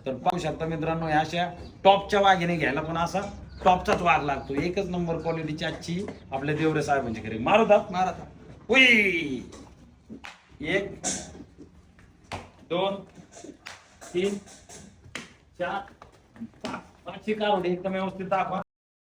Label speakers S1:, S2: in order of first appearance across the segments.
S1: तर पाहू शकता मित्रांनो, या अशा टॉपच्या वाघिणी घ्यायला पण असा टॉपचाच वाघ लागतो. एकच नंबर क्वालिटीची आजची आपल्या देवरे साहेबांची घरी. मारुतात
S2: मारतात.
S1: उई 1 2 3 4 5 पाचशे कारोडी एकदम व्यवस्थित दाखवा.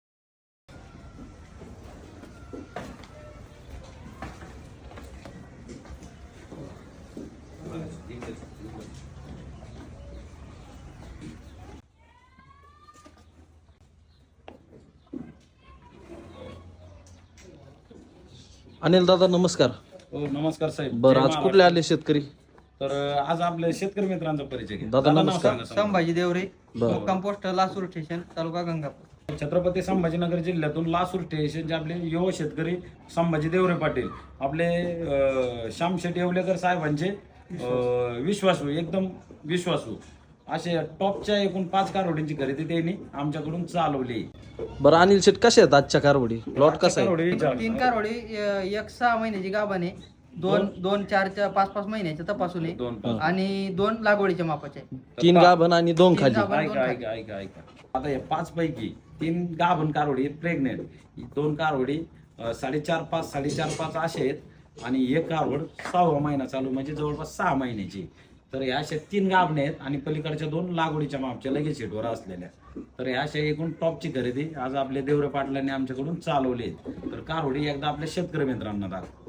S3: अनिल दादा नमस्कार.
S1: हो नमस्कार साहेब.
S3: बरं, आज कुठले आले शेतकरी?
S1: तर आज आपल्या शेतकरी मित्रांचा परिचय घ्या.
S3: दादा,
S1: नाव
S3: नमस्कार.
S1: सांगा.
S2: संभाजी देवरे,
S3: बरं.
S2: मुक्काम पोस्ट लासूर स्टेशन, तालुका गंगापूर.
S1: छत्रपती संभाजीनगर जिल्ह्यातून लासूर स्टेशनचे आपले युवा शेतकरी संभाजी देवरे पाटील आपले श्यामशेठ येवलेकर साहेबांचे विश्वासू, एकदम विश्वासू असे टॉपच्या एकूण 5 कारोडींची खरेदी त्यांनी आमच्याकडून चालवली.
S3: बरं अनिल शेट, कसे आहेत आजच्या कारवडी? प्लॉट कसा आहे?
S1: कारोडी
S2: 3 कारोडी, एक 6 महिन्याची गाभण आहे, दोन 4-5 महिन्याच्या तपासून आहे,
S1: दोन पाच.
S2: आणि 2 लागवडीच्या मापाचे आहे.
S3: 3 गाभण आणि 2 खाली.
S2: गाभण.
S1: ऐका ऐका ऐका ऐका आता या 5 पैकी 3 गाभण कारोडी प्रेग्नेंट, 2 कारोडी 4.5 असे आहेत आणि एक कारोड 6वा महिना चालू, म्हणजे जवळपास 6 महिन्याची. तर ह्या अशा 3 गाभणे आहेत आणि पलीकडच्या 2 लागवडीच्या मापच्या लगेच शेटवर असलेल्या. तर ह्या अशा एकूण टॉपची खरेदी आज आपल्या देवरे पाटलांनी आमच्याकडून चालवली. तर कारोडी एकदा आपल्या शेतकरी मित्रांना दाखव.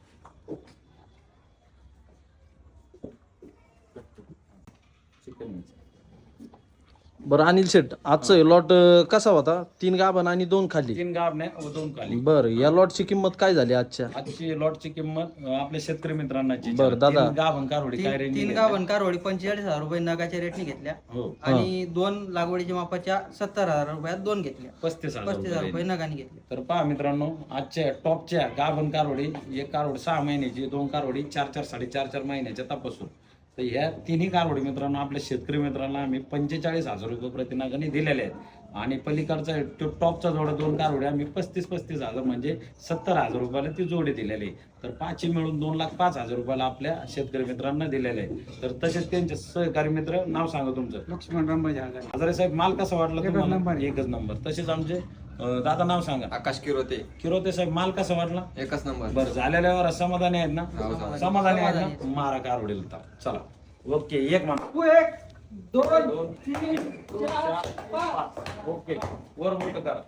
S3: बरं अनिल शेट, आजचं लॉट कसा होता? 3 गाभण आणि 2 खाली.
S1: 3 गाभणे व 2 खाली.
S3: बरं, या लॉटची किंमत काय झाली आजच्या?
S1: आजची लॉटची किंमत आपल्या शेतकरी मित्रांनाची.
S3: बरं, दादा.
S1: 3 गाभण कारोडी काय रेंज?
S2: 3 गाभण कारोडी 45,000 रुपये नगाच्या रेटने घेतल्या,
S1: हो
S2: आणि 2 लागवडीच्या मापाच्या 70,000 रुपयात 2 घेतल्या.
S1: 35,000
S2: रुपये नगाने घेतले.
S1: तर पहा मित्रांनो, आजच्या टॉपच्या गाभण कारोडी, एक कारोड 6 महिन्याची, 2 कारोडी 4-4 महिन्याच्या तपासून. तर ह्या 3ही कारोडी मित्रांनो आपल्या शेतकरी मित्रांना आम्ही 45,000 रुपये प्रतिनागाने दिलेले आहेत. आणि पलीकडचा तो टॉपचा जोडा 2 कारोड्या आम्ही 35,000 म्हणजे 70,000 रुपयाला ती जोडी दिलेली. तर 5 मिळून 2,05,000 रुपयाला आपल्या शेतकरी मित्रांना दिलेले आहे. तर तसेच त्यांचे सहकारी मित्र, नाव सांगा तुमचं?
S2: लक्ष्मण रामबाजी
S1: हजारे साहेब, माल कसा वाटला तुम्हाला? एकच नंबर. तसेच आमचे दादा, नाव सांगा?
S4: आकाश किरोते
S1: साहेब, माल कसा वाटला?
S4: एकच नंबर.
S1: बरं, झालेल्यावर समाधानी आहेत ना? समाधानी आहेत ना? मारा कारोडील. चला ओके, एक मान
S2: 1 2
S1: 2 3 4 5 ओके, वर मोठं करा.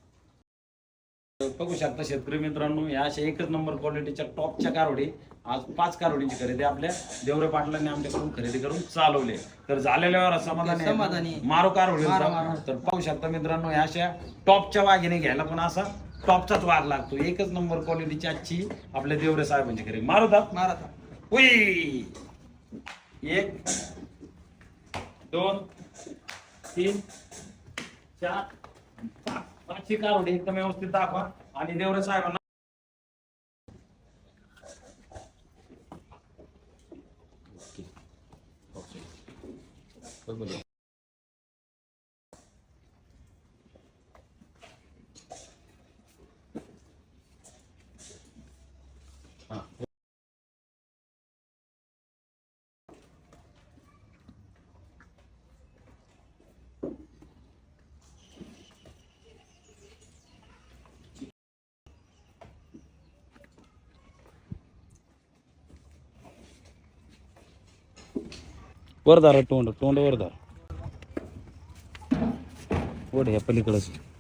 S1: बघू शकता शेतकरी मित्रांनो, या अशा एकच नंबर क्वालिटीच्या टॉपच्या कारोडी आज 5 कारोडींची खरेदी आपल्या देवरे पाटलांनी आमच्याकडून खरेदी करून चालवले. तर झालेल्यावर समाधानी
S2: समाधानी.
S1: मारो कारोडी.
S2: मारो.
S1: तर पाहू शकता मित्रांनो, या अशा टॉपच्या वाघिणी घ्यायला पण असा टॉपचाच वाघ लागतो. एकच नंबर क्वालिटीची आजची आपल्या देवरे साहेबांची खरेदी. मारुतात उई 1 2 3 4 5 पाचशे कारोडी एकदम व्यवस्थित दाखवा आणि देवरे साहेबांना वरदार, तोंड वरदार, ओढ ह्या पलीकडच.